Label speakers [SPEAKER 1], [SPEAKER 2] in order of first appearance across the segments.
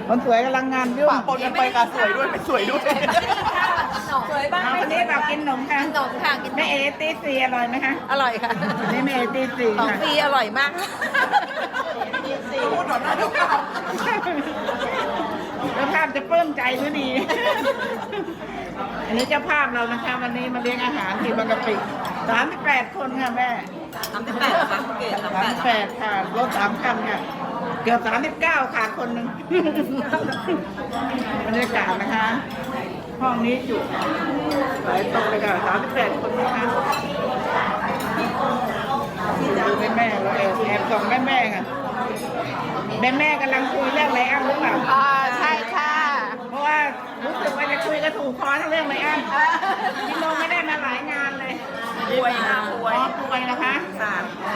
[SPEAKER 1] คนสวยกำลังงานยุ่ง
[SPEAKER 2] ปะปนกันไปกับสวยด้วยไม่สวยด้วย
[SPEAKER 3] สวยบ้าง
[SPEAKER 1] วันนี้แบบกินขนมค่ะ
[SPEAKER 3] ขนมค่ะกิน
[SPEAKER 1] แม่เอตีสีอร่อยไหมคะ
[SPEAKER 3] อร่อยค่ะ
[SPEAKER 1] วันนี้แม่เอตีสี
[SPEAKER 3] ของ
[SPEAKER 1] ค่ะ
[SPEAKER 3] ฟรีอร่อยมาก
[SPEAKER 2] พูดหน่อยนะทุกคน
[SPEAKER 1] เจ้าภาพจะเพิ่มใจด้วยดี อันนี้เจ้าภาพเรานะคะ วันนี้มาเลี้ยงอาหารที่บางกะปิ38 คนค่ะแม่
[SPEAKER 3] 38ค่ะเกศ
[SPEAKER 1] 38ค่ะรถ3 คันค่ะ เกือบ39ขาดคนหนึ่ง บรรยากาศนะคะ ห้องนี้จุหลายโต๊ะเลยค่ะ38 คนนะคะดูแม่เราแอบส่องแม่ค่ะแม่กำลังคุยเรื่องอะไรอ้ำหรือเปล่า
[SPEAKER 3] ใช่ค่ะ
[SPEAKER 1] เพราะว่ารู้สึกว่าจะคุยกระถูกคอทั้งเรื่องเลยอันพี่โนไม่ได้มาหลายงานเลย
[SPEAKER 2] ป่วยค่ะป่วย
[SPEAKER 1] ป่วยนะคะ
[SPEAKER 2] ค่ะ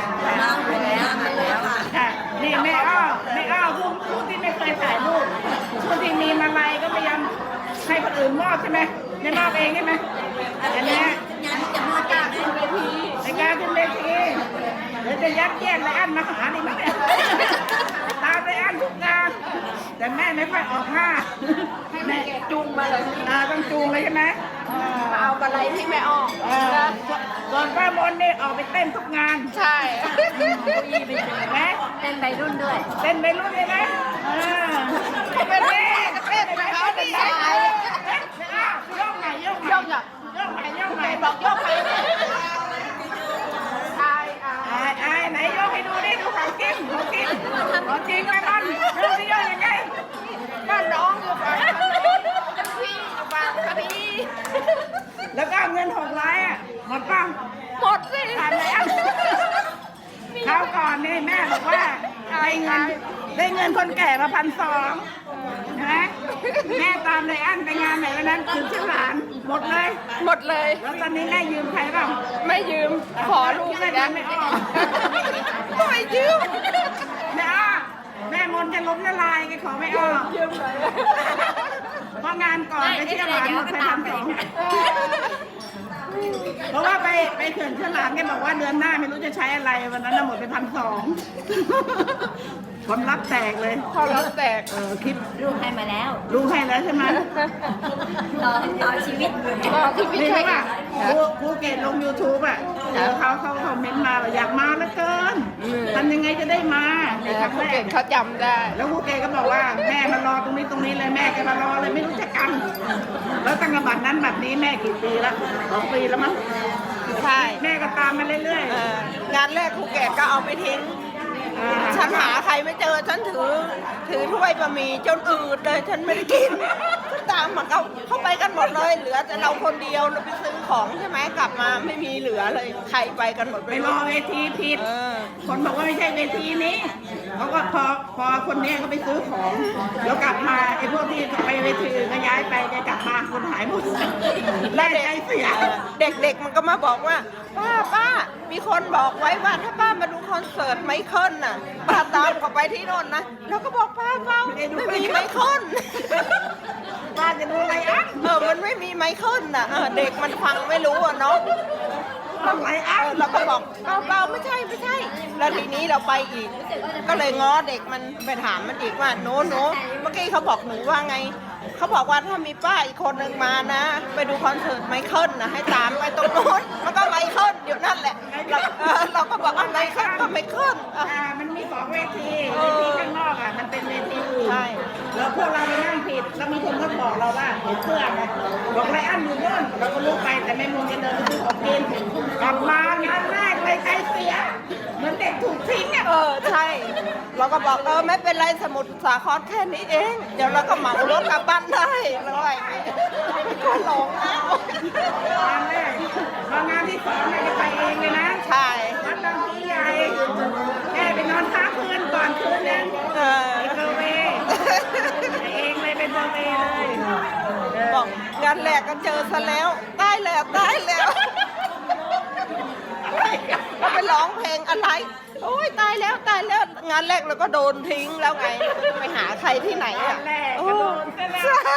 [SPEAKER 1] ค่ะนี่แม่อ้อผู้ที่ไม่เคยถ่ายรูปผู้ที่มีมาลัยก็พยายามให้คนอื่นมอบใช่ไหมไม่มอบเองใช่ไหมอันเนี้ย
[SPEAKER 3] งั้นจะมาจากขึ้นเวที
[SPEAKER 1] ในการขึ้นเวทีเดี๋ยวจะยัดเยียดไรอันมาหาดิมั้งเนี่ยตามไรอันทุกงานแต่แม่ไม่ค่อยออกหน้าแม่
[SPEAKER 3] จุงมาเลย
[SPEAKER 1] ต้องจูงเลยใช่ไหม
[SPEAKER 3] มาเอาอะไรที่แม่ออก
[SPEAKER 1] ส่วนป้ามนนี่ออกไปเต้นทุกงาน
[SPEAKER 3] ใช่
[SPEAKER 1] ไหม
[SPEAKER 3] เต้นใบรุ่นด้วย
[SPEAKER 1] เต้นไปรุ่นเลยนะเป็นแม่เต้นไปเขาดีโยกไหนโยกไหนโยกไหนโยกไหนบอกโยกไหนไอ้ไหนโยกให้ดูดิดูของจริงของจริงของจริงไหมบ้านดูสิโยกยังไงบ้านน้องอยู่ฝั่งพี่ฝั่งพี่แล้วก็เงิน600อ่ะหมดป่ะ
[SPEAKER 3] หมดสิ
[SPEAKER 1] ผ่านแล้วคราวก่อนนี่แม่บอกว่าได้เงินคนแก่มา1,200ใช่ไหมแม่ตามในอันไปงานไหนวันนั้นคือชื่อหลานหมดเลย
[SPEAKER 3] หมดเลย
[SPEAKER 1] แล้วตอนนี้แม่ยืมใครเปล่า
[SPEAKER 3] ไม่ยืม ขอลูก
[SPEAKER 1] แม่
[SPEAKER 3] นะ
[SPEAKER 1] ไม่ออก
[SPEAKER 3] ไม่ยืม
[SPEAKER 1] แม่มนจะล้มละลายแกขอไม่ออก
[SPEAKER 3] ยืมเลย
[SPEAKER 1] เพราะงานก่อนไปเชื่อหลานหมดไป1,200เพราะว่าไปเขื่อนเชื่อหลานแกบอกว่าเดือนหน้าไม่รู้จะใช้อะไรวันนั้นหมดไป1,200คนรับแตกเลย
[SPEAKER 3] พอรับแตก
[SPEAKER 1] คลิป
[SPEAKER 3] ลูกให้มาแล้ว
[SPEAKER 1] รู้ให้แล้วใช่ไหม
[SPEAKER 3] ต่อชีวิตต่อชีวิต
[SPEAKER 1] นี่
[SPEAKER 3] ใช่
[SPEAKER 1] ใช่ป่ะครูเกดลง YouTube อ่ะเขาคอมเมนต์มาว่าอยากมาเหลือเกินทำยังไงจะได้มาในครั้ง
[SPEAKER 3] ผู้
[SPEAKER 1] แร
[SPEAKER 3] เก่
[SPEAKER 1] ก
[SPEAKER 3] งเขาจำได้
[SPEAKER 1] แล้วครูเกดก็บอกว่าแม่มารอตรงนี้เลยแม่แกมารอเลยไม่รู้จะกัน แล้วตั้งแต่บัดนั้นบัดนี้แม่กี่ปีแล้ว2 ปีแล้วมั้ง
[SPEAKER 3] ใช่
[SPEAKER 1] แม่ก็ตามมาเรื่อย
[SPEAKER 3] งานแรกครูเกดก็เอาไปทิ้ง
[SPEAKER 1] ๆ
[SPEAKER 3] ฉันหาใครไม่เจอ ฉันถือถ้วยบะหมี่จนอืดเลย ฉันไม่ได้กินฉันตามมาเข้าไปกันหมดเลย เหลือแต่เราคนเดียวเราไปซื้อของใช่ไหมกลับมาไม่มีเหลือเลย ใครไปกันหมด
[SPEAKER 1] ไปรอเวทีผิด คนบอกว่าไม่ใช่เวทีนี้เขาก็พอคนนี้เขาไปซื้อของเดี๋ยวกลับมาไอ้พวกที่ไปเวทีอื่นก็ย้ายไปจะกลับมาคนหายหมดแม่ใจเสีย
[SPEAKER 3] เด็กๆมันก็มาบอกว่า ป้า มีคนบอกไว้ว่าถ้าป้ามาดูคอนเสิร์ตไมเคิลน่ะป้าตามเขาไปที่โน่นนะเราก็บอกป้าไม่มีไมเคิล
[SPEAKER 1] ป้าจะดูอะไรอ่ะ
[SPEAKER 3] มันไม่มีไมเคิลน่ะเด็กมันฟังไม่รู้อ่ะเนาะ
[SPEAKER 1] อะไรอ่ะ
[SPEAKER 3] เราก็บอกเปล่าไม่ใช่แล้วทีนี้เราไปอีก ก็เลยง้อเด็กมันไปถามมันอีกว่าโน้เมื่อกี้เขาบอกหนูว่าไงเขาบอกว่าถ้ามีป้าอีกคนหนึ่งมานะ ไปดูคอนเสิร์ตไมเคิลนะให้ตามไปตรงโน้นมันก็ไมเคิลอยู่นั่นแหละเราก็บอกว่าไมเคิลก็ไมเคิล
[SPEAKER 1] มันมี2 เวทีข้างนอกอ่ะมันเป็นเวทีอื่น
[SPEAKER 3] ใช่
[SPEAKER 1] แล้วพวกเราไปนั่งผิดแล้วมีคนก็บอกเราว่าเห็นเสื้อนะบอกไรอันอยู่โน่นเราก็ลุกไปแต่แม่มุงจะเดินไปซื้อของกินกลับมางานแรกเลยใจเสียเหมือนเด็กถูกทิ้งอ่ะ
[SPEAKER 3] ใช่ เราก็บอกไม่เป็นไรสมุทรสาครแค่นี้เอง เดี๋ยวเราก็เหมารถกลับบ้านได้แล้วอะไรก็หลงนะ
[SPEAKER 1] งานแรกพองานที่2แม่จะไปเองเลยนะ
[SPEAKER 3] ใช่
[SPEAKER 1] วัดบางพลีใหญ่แม่ไปนอนค้างคืนก่อนคืนนึงไปเบอร์เวย์ไปเองเลยไปเบอร์เวย์เลย
[SPEAKER 3] บอกงานแรกก็เจอซะแล้วได้แล้วเราไปร้องเพลงอะไร โอ้ยตายแล้วงานแรกเราก็โดนทิ้งแล้วไงไปหาใครที่ไหนอ่ะ
[SPEAKER 1] แรกก็โดนซะแล้ว
[SPEAKER 3] ใช่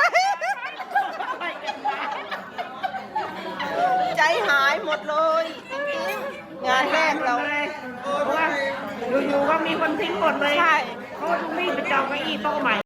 [SPEAKER 3] ใจหายหมดเลยจริงๆงานแรกเรา
[SPEAKER 1] เพราะว่าอยู่ๆก็มีคนทิ้งหมดเลย
[SPEAKER 3] ใช่
[SPEAKER 1] เขารีบไปจองเก้าอี้โต๊ะใหม่